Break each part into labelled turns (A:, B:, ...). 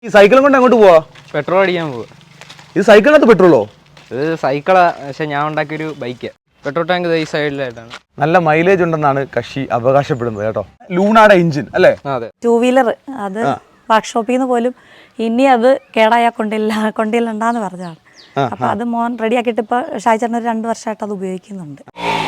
A: ഈ സൈക്കിളും കൊണ്ട് അങ്ങോട്ട് പോവാ?
B: പെട്രോൾ അടിക്കാൻ പോവാ.
A: ഇത് സൈക്കിളിനകത്ത് പെട്രോളോ?
B: ഇത് സൈക്കിളാ, പക്ഷെ ഞാൻ ഉണ്ടാക്കിയൊരു ബൈക്ക്. പെട്രോൾ ടാങ്ക് ഈ സൈഡിലായിട്ടാണ്.
A: നല്ല മൈലേജ് ഉണ്ടെന്നാണ് കക്ഷി അവകാശപ്പെടുന്നത് കേട്ടോ. ലൂണാടെ എഞ്ചിൻ അല്ലേ?
B: അതെ.
C: 2 വീലർ അത് വർക്ക്ഷോപ്പിൽ നിന്ന് പോലും ഇനി അത് കേടായാൽ കൊണ്ടില്ലണ്ടാന്ന് പറഞ്ഞാണ്. അപ്പം അത് മോൻ റെഡിയാക്കിയിട്ട് ഇപ്പോൾ ഷായിച്ചേട്ടൻ ഒരു 2 വർഷമായിട്ട് അത് ഉപയോഗിക്കുന്നുണ്ട്.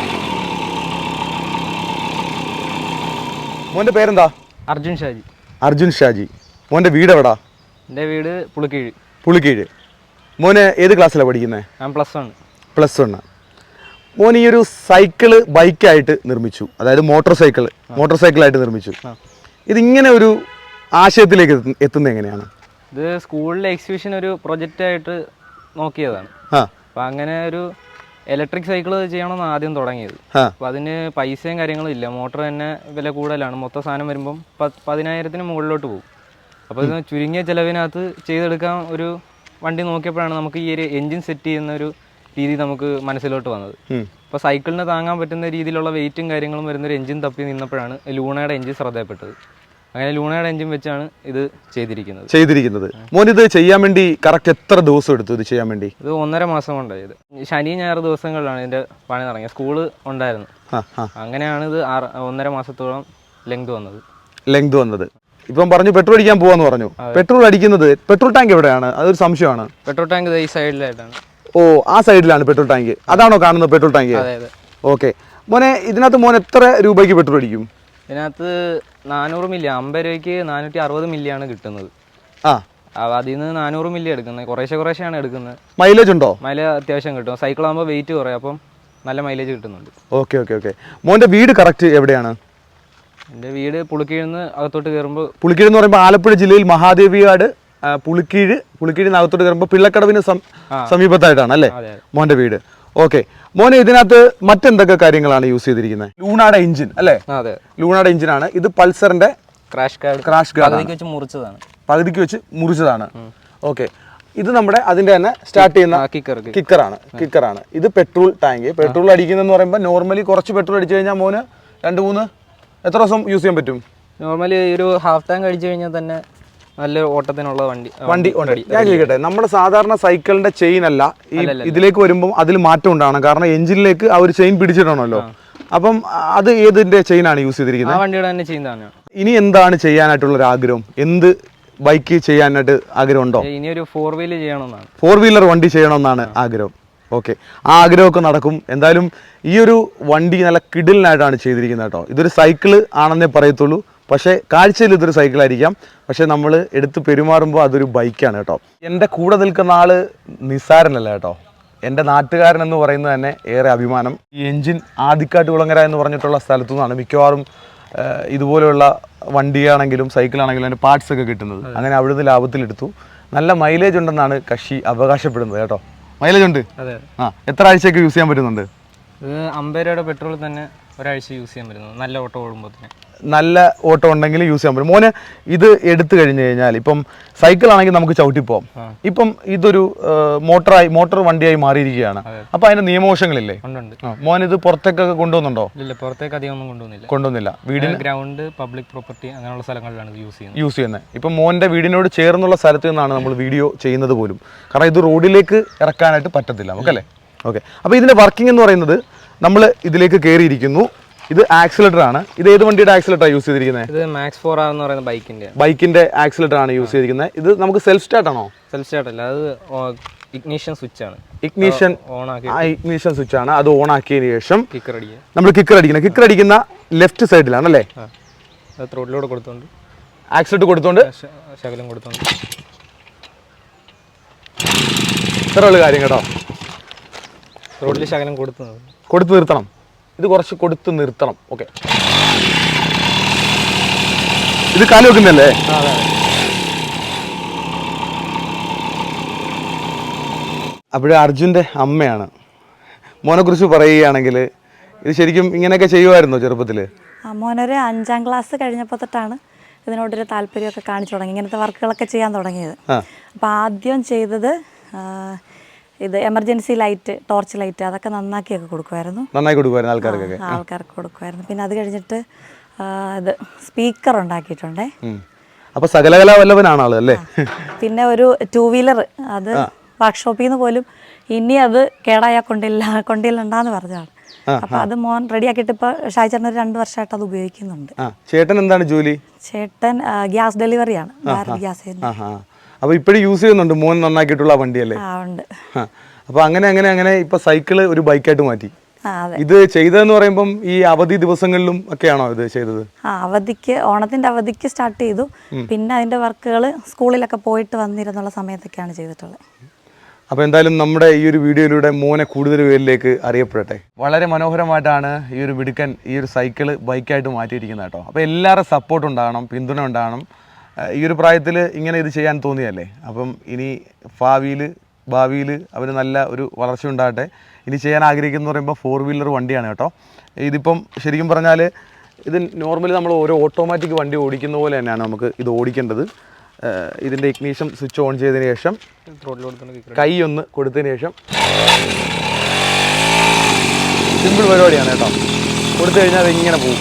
A: മോന്റെ പേരെന്താ?
B: അർജുൻ ഷാജി.
A: അർജുൻ ഷാജി. മോന്റെ വീട് എവിടാ?
B: എൻ്റെ വീട് പുളിക്കീഴ്.
A: പുളിക്കീഴ്. മോന് ഏത് ക്ലാസ്സിലാണ് പഠിക്കുന്നത്?
B: ഞാൻ +1.
A: +1. മോൻ ഈ ഒരു സൈക്കിള് ബൈക്കായിട്ട് നിർമ്മിച്ചു, അതായത് മോട്ടോർ സൈക്കിളായിട്ട് നിർമ്മിച്ചു. ഇതിങ്ങനെ ഒരു ആശയത്തിലേക്ക് എത്തുന്നത് എങ്ങനെയാണ്?
B: ഇത് സ്കൂളിലെ എക്സിബിഷൻ ഒരു പ്രൊജക്റ്റായിട്ട് നോക്കിയതാണ്. അപ്പം അങ്ങനെ ഒരു ഇലക്ട്രിക് സൈക്കിൾ ചെയ്യണമെന്ന് ആദ്യം തുടങ്ങിയത്. അപ്പം അതിന് പൈസയും കാര്യങ്ങളും ഇല്ല. മോട്ടർ തന്നെ വില കൂടുതലാണ്. മൊത്തം സാധനം വരുമ്പം 10,000-ന് മുകളിലോട്ട് പോകും. അപ്പോൾ ഇത് ചുരുങ്ങിയ ചിലവിനകത്ത് ചെയ്തെടുക്കാൻ ഒരു വണ്ടി നോക്കിയപ്പോഴാണ് നമുക്ക് ഈ ഒരു എൻജിൻ സെറ്റ് ചെയ്യുന്ന ഒരു രീതി നമുക്ക് മനസ്സിലോട്ട് വന്നത്. അപ്പോൾ സൈക്കിളിന് താങ്ങാൻ പറ്റുന്ന രീതിയിലുള്ള വെയിറ്റും കാര്യങ്ങളും വരുന്നൊരു എൻജിൻ തപ്പി നിന്നപ്പോഴാണ് ലൂണയുടെ എൻജിൻ ശ്രദ്ധയപ്പെട്ടത്. അങ്ങനെ ലൂണയുടെ എൻജിൻ വെച്ചാണ് ഇത് ചെയ്തിരിക്കുന്നത്. മോൻ ഇത് ചെയ്യാൻ വേണ്ടി കറക്റ്റ് എത്ര ദിവസം എടുത്തു ഇത് ചെയ്യാൻ വേണ്ടി? ഇത് 1.5 മാസം കൊണ്ടായത്. ശനി ഞായർ ദിവസങ്ങളിലാണ് ഇതിന്റെ പണി തുടങ്ങിയത്. സ്കൂള് ഉണ്ടായിരുന്നു. അങ്ങനെയാണ് ഇത് 1.5 മാസത്തോളം ലെങ്ത് വന്നത്.
A: ഇപ്പം പറഞ്ഞു പെട്രോൾ അടിക്കാൻ പോവാന്ന് പറഞ്ഞു. പെട്രോൾ ടാങ്ക് എവിടെയാണ്? അതൊരു സംശയമാണ്.
B: പെട്രോൾ ടാങ്ക് ഈ സൈഡിലായിട്ടാണ്.
A: ഓ, ആ സൈഡിലാണ് പെട്രോൾ ടാങ്ക്. അതാണോ കാണുന്നത് പെട്രോൾ ടാങ്ക്? ഓക്കെ. മോനെ, ഇതിനകത്ത് മോൻ എത്ര രൂപയ്ക്ക് പെട്രോൾ അടിക്കും?
B: ഇതിനകത്ത് 400 മില്ലി, 50 രൂപയ്ക്ക് 460 മില്ലിയാണ് കിട്ടുന്നത്. അതിൽ നിന്ന് 400 മില്ലി എടുക്കുന്നത്. കുറേശ്ശെയാണ് എടുക്കുന്നത്.
A: മൈലേജ് ഉണ്ടോ?
B: മൈലേജ് അത്യാവശ്യം കിട്ടും. സൈക്കിൾ ആകുമ്പോൾ വെയിറ്റ് കുറയും, അപ്പം നല്ല മൈലേജ് കിട്ടുന്നുണ്ട്.
A: ഓക്കെ. മോന്റെ വീട് കറക്റ്റ് എവിടെയാണ്?
B: എൻ്റെ വീട് പുളിക്കീഴ്ന്ന് അകത്തോട്ട് കയറുമ്പോൾ.
A: പുളിക്കീഴ് എന്ന് പറയുമ്പോൾ ആലപ്പുഴ ജില്ലയിൽ മഹാദേവിയാട് പുളിക്കീഴിന് അകത്തോട്ട് കയറുമ്പോൾ പിള്ളക്കടവിന് സമീപത്തായിട്ടാണ് അല്ലേ മോന്റെ വീട്? ഓക്കെ. മോനെ, ഇതിനകത്ത് മറ്റെന്തൊക്കെ കാര്യങ്ങളാണ് യൂസ് ചെയ്തിരിക്കുന്നത്? ലൂണാടെ എഞ്ചിൻ അല്ലേ?
B: അതെ,
A: ലൂണാടെ എഞ്ചിനാണ്. ഇത് പൾസറിന്റെ
B: ക്രാഷ് ഗാർഡ് പകുതിക്ക് വെച്ച് മുറിച്ചതാണ്. ഓക്കെ. ഇത് നമ്മുടെ അതിന്റെ തന്നെ സ്റ്റാർട്ട് ചെയ്യുന്ന കിക്കറാണ്. ഇത് പെട്രോൾ ടാങ്ക്. പെട്രോൾ അടിക്കുന്നതെന്ന് പറയുമ്പോൾ നോർമലി കുറച്ച് പെട്രോൾ അടിച്ചു കഴിഞ്ഞാൽ മോന് 2-3 എത്ര ദിവസം യൂസ് ചെയ്യാൻ പറ്റും? നോർമലി ഒരു ഹാഫ് ടാങ്ക് അടിച്ചു കഴിഞ്ഞാൽ തന്നെ നല്ല ഓട്ടത്തിനുള്ള വണ്ടി
A: ഉണ്ട്. ഞാൻ ചോദിക്കട്ടെ, നമ്മുടെ സാധാരണ സൈക്കിളിന്റെ ചെയിൻ അല്ല ഇതിലേക്ക് വരുമ്പോൾ അതിൽ മാറ്റം ഉണ്ടാണ്. കാരണം എഞ്ചിനിലേക്ക് ആ ഒരു ചെയിൻ പിടിച്ചിടണമല്ലോ. അപ്പം അത് ഏതിന്റെ ചെയിനാണ് യൂസ് ചെയ്തിരിക്കുന്നത്?
B: വണ്ടിയുടെ തന്നെ ചെയിൻ തന്നെ.
A: ഇനി എന്താണ് ചെയ്യാനായിട്ടുള്ള ഒരു ആഗ്രഹം? എന്ത് ബൈക്ക് ചെയ്യാനായിട്ട് ആഗ്രഹം ഉണ്ടോ?
B: ഇനി ഒരു 4 വീലർ ചെയ്യണമെന്നാണ്.
A: 4 വീലർ വണ്ടി ചെയ്യണമെന്നാണ് ആഗ്രഹം. ഓക്കെ, ആ ആഗ്രഹമൊക്കെ നടക്കും. എന്തായാലും ഈ ഒരു വണ്ടി നല്ല കിടിലിനായിട്ടാണ് ചെയ്തിരിക്കുന്നത് കേട്ടോ. ഇതൊരു സൈക്കിള് ആണെന്നേ പറയത്തുള്ളൂ, പക്ഷേ കാഴ്ചയിൽ ഇതൊരു സൈക്കിളായിരിക്കാം. പക്ഷേ നമ്മൾ എടുത്ത് പെരുമാറുമ്പോൾ അതൊരു ബൈക്കാണ് കേട്ടോ. എൻ്റെ കൂടെ നിൽക്കുന്ന ആള് നിസ്സാരനല്ല കേട്ടോ. എൻ്റെ നാട്ടുകാരൻ എന്ന് പറയുന്നത് തന്നെ ഏറെ അഭിമാനം. ഈ എഞ്ചിൻ ആദിക്കാട്ട് കുളങ്ങര എന്ന് പറഞ്ഞിട്ടുള്ള സ്ഥലത്തു നിന്നാണ് മിക്കവാറും ഇതുപോലെയുള്ള വണ്ടിയാണെങ്കിലും സൈക്കിളാണെങ്കിലും അതിൻ്റെ പാർട്സ് ഒക്കെ കിട്ടുന്നത്. അങ്ങനെ അവിടുന്ന് ലാഭത്തിലെടുത്തു. നല്ല മൈലേജ് ഉണ്ടെന്നാണ് കക്ഷി അവകാശപ്പെടുന്നത് കേട്ടോ. മൈലേജ് ഉണ്ട്. എത്ര ആഴ്ചയൊക്കെ യൂസ് ചെയ്യാൻ പറ്റുന്നുണ്ട്?
B: 50 രൂപയുടെ പെട്രോൾ തന്നെ ഒരാഴ്ച യൂസ് ചെയ്യാൻ പറ്റുന്നത്. നല്ല ഓട്ടം ഓടുമ്പോൾ തന്നെ
A: നല്ല ഓട്ടം ഉണ്ടെങ്കിൽ യൂസ് ചെയ്യാൻ പറ്റും. മോന് ഇത് എടുത്തു കഴിഞ്ഞു കഴിഞ്ഞാൽ ഇപ്പം സൈക്കിൾ ആണെങ്കിൽ നമുക്ക് ചവിട്ടിപ്പോവാം. ഇപ്പം ഇതൊരു മോട്ടോർ വണ്ടിയായി മാറിയിരിക്കുകയാണ്. അപ്പൊ അതിന്റെ നിയമവശങ്ങളില്ലേ? മോൻ ഇത് പുറത്തേക്കൊക്കെ കൊണ്ടുപോകുന്നുണ്ടോ?
B: ഇല്ല, പുറത്തേക്ക് അധികം ഒന്നും
A: കൊണ്ടുവന്നില്ല. വീടിന്
B: ഗ്രൗണ്ട്, പബ്ലിക് പ്രോപ്പർട്ടി അങ്ങനെയുള്ള സ്ഥലങ്ങളിലാണ് യൂസ് ചെയ്യുന്നത്.
A: ഇപ്പം മോന്റെ വീടിനോട് ചേർന്നുള്ള സ്ഥലത്ത് നിന്നാണ് നമ്മൾ വീഡിയോ ചെയ്യുന്നത് പോലും. കാരണം ഇത് റോഡിലേക്ക് ഇറക്കാനായിട്ട് പറ്റത്തില്ല നമുക്കല്ലേ? ഓക്കെ. അപ്പോൾ ഇതിന്റെ വർക്കിംഗ് എന്ന് പറയുന്നത്, നമ്മൾ ഇതിലേക്ക് കയറിയിരിക്കുന്നു. ഇത് ആക്സിലേറ്റർ ആണ്. ഇത് ഏത് വണ്ടിയുടെ ആക്സിലേറ്റർ യൂസ് ചെയ്തിരിക്കുന്നത്?
B: ഇത് മാക്സ് 4R എന്ന് പറയുന്ന
A: ബൈക്കിന്റെ ആക്സിലേറ്റർ ആണ് യൂസ് ചെയ്തിരിക്കുന്നത്. ഇത് നമുക്ക് സെൽഫ് സ്റ്റാർട്ട് ആണോ?
B: സെൽഫ് സ്റ്റാർട്ട് അല്ല, അത് ഇഗ്നിഷൻ സ്വിച്ച് ആണ്.
A: ഇഗ്നിഷൻ സ്വിച്ച് ആണ്. അത് ഓൺ ആക്കിയതിനു ശേഷം നമ്മൾ കിക്കർ അടിക്കുന്ന ലെഫ്റ്റ് സൈഡിലാണ് അല്ലേ?
B: ത്രോട്ടിലൂടെ കൊടുത്തോണ്ട്
A: ആക്സിലേറ്റർ കൊടുത്തോണ്ട്
B: ശകലം കൊടുത്തോണ്ട്
A: ഇത്രയുള്ള കാര്യം കേട്ടോ.
B: റോഡിൽ ശകലം
A: കൊടുത്തു നിർത്തണം. ഇത് കുറച്ച് കൊടുത്ത് നിർത്തണം. ഓക്കെ. ഇത് കാല് വെക്കുന്നല്ലേ? അപ്പോഴേ അർജുൻ്റെ അമ്മയാണ്. മോനെ കുറിച്ച് പറയുകയാണെങ്കിൽ ഇത് ശരിക്കും ഇങ്ങനെയൊക്കെ ചെയ്യുമായിരുന്നോ ചെറുപ്പത്തിൽ?
C: മോനൊരു 5ാം ക്ലാസ് കഴിഞ്ഞപ്പോൾ തൊട്ടാണ് ഇതിനോടൊരു താല്പര്യമൊക്കെ കാണിച്ചു തുടങ്ങി, ഇങ്ങനത്തെ വർക്കുകളൊക്കെ ചെയ്യാൻ തുടങ്ങിയത്. അപ്പോൾ ആദ്യം ചെയ്തത് ഇത് എമർജൻസി ലൈറ്റ്, ടോർച്ച് ലൈറ്റ്, അതൊക്കെ നന്നാക്കിയൊക്കെ കൊടുക്കുമായിരുന്നു. ആൾക്കാർക്ക് കൊടുക്കുമായിരുന്നു. പിന്നെ അത് കഴിഞ്ഞിട്ട് ഇത് സ്പീക്കർ ഉണ്ടാക്കിയിട്ടുണ്ടേ.
A: അപ്പോൾ സകലകലാ വല്ലഭനാണ് ആള് അല്ലേ?
C: പിന്നെ ഒരു 2 വീലർ അത് വർക്ക്ഷോപ്പിൽ നിന്ന് പോലും ഇനി അത് കേടായാൽ കൊണ്ടില്ലണ്ടാന്ന് പറഞ്ഞാണ്. അപ്പൊ അത് മോൻ റെഡിയാക്കിയിട്ട് ഇപ്പോൾ ഷായ്ചേട്ടൻ ഒരു 2 വർഷമായിട്ട് അത് ഉപയോഗിക്കുന്നുണ്ട്.
A: ചേട്ടൻ എന്താണ് ജോലി?
C: ചേട്ടൻ ഗ്യാസ് ഡെലിവറിയാണ്, ഭാരത് ഗ്യാസ്.
A: അപ്പോൾ ഇപ്പോഴും യൂസ് ചെയ്യുന്നുണ്ട് മോൻ നന്നാക്കിയിട്ടുള്ള വണ്ടിയല്ലേ?
C: ഉണ്ട്.
A: അപ്പോൾ അങ്ങനെ ഇപ്പൊ സൈക്കിള് ഒരു ബൈക്കായിട്ട് മാറ്റി.
C: അതെ.
A: ഇത് ചെയ്തതെന്ന് പറയുമ്പം ഈ അവധി ദിവസങ്ങളിലും ഒക്കെയാണോ ഇത് ചെയ്തത്?
C: അവധിക്ക്, ഓണത്തിന്റെ അവധിക്ക് സ്റ്റാർട്ട് ചെയ്തു. പിന്നെ അതിന്റെ വർക്കുകൾ സ്കൂളിലൊക്കെ പോയിട്ട് വന്നിരുന്നുള്ള സമയത്തൊക്കെയാണ് ചെയ്തിട്ടുള്ളത്.
A: അപ്പോൾ എന്തായാലും നമ്മുടെ ഈ ഒരു വീഡിയോയിലൂടെ മോനെ കൂടുതൽ പേരിലേക്ക് അറിയപ്പെടട്ടെ. വളരെ മനോഹരമായിട്ടാണ് ഈ ഒരു മിടുക്കൻ ഈ ഒരു സൈക്കിള് ബൈക്കായിട്ട് മാറ്റിയിരിക്കുന്നത് കേട്ടോ. അപ്പോൾ എല്ലാവരുടെ സപ്പോർട്ട് ഉണ്ടാകണം, പിന്തുണ ഉണ്ടാകണം. ഈ ഒരു പ്രായത്തിൽ ഇങ്ങനെ ഇത് ചെയ്യാൻ തോന്നിയല്ലേ. അപ്പം ഇനി ഭാവിയിൽ അവന് നല്ല ഒരു വളർച്ച ഉണ്ടാകട്ടെ. ഇനി ചെയ്യാൻ ആഗ്രഹിക്കുന്ന പറയുമ്പോൾ 4 വീലർ വണ്ടിയാണ് കേട്ടോ. ഇതിപ്പം ശരിക്കും പറഞ്ഞാൽ ഇത് നോർമലി നമ്മൾ ഓരോ ഓട്ടോമാറ്റിക് വണ്ടി ഓടിക്കുന്ന പോലെ തന്നെയാണ് നമുക്ക് ഇത് ഓടിക്കേണ്ടത്. ഇതിൻ്റെ ഇഗ്നീഷൻ സ്വിച്ച് ഓൺ ചെയ്തതിന് ശേഷം കൈ ഒന്ന് കൊടുത്തതിന് ശേഷം സിമ്പിൾ പരിപാടിയാണ് കേട്ടോ. കൊടുത്തു കഴിഞ്ഞാൽ അതിങ്ങനെ പോകും.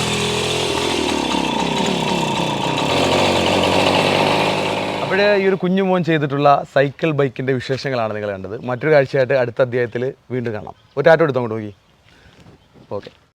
A: അപ്പോഴേ ഈ ഒരു കുഞ്ഞുമോൻ ചെയ്തിട്ടുള്ള സൈക്കിൾ ബൈക്കിൻ്റെ വിശേഷങ്ങളാണ് നിങ്ങൾ കണ്ടത്. മറ്റൊരു കാഴ്ചയായിട്ട് അടുത്ത അധ്യായത്തിൽ വീണ്ടും കാണാം. ഒരു ടാറ്റോ എടുത്തോ അങ്ങോട്ട് നോക്കി. ഓക്കെ.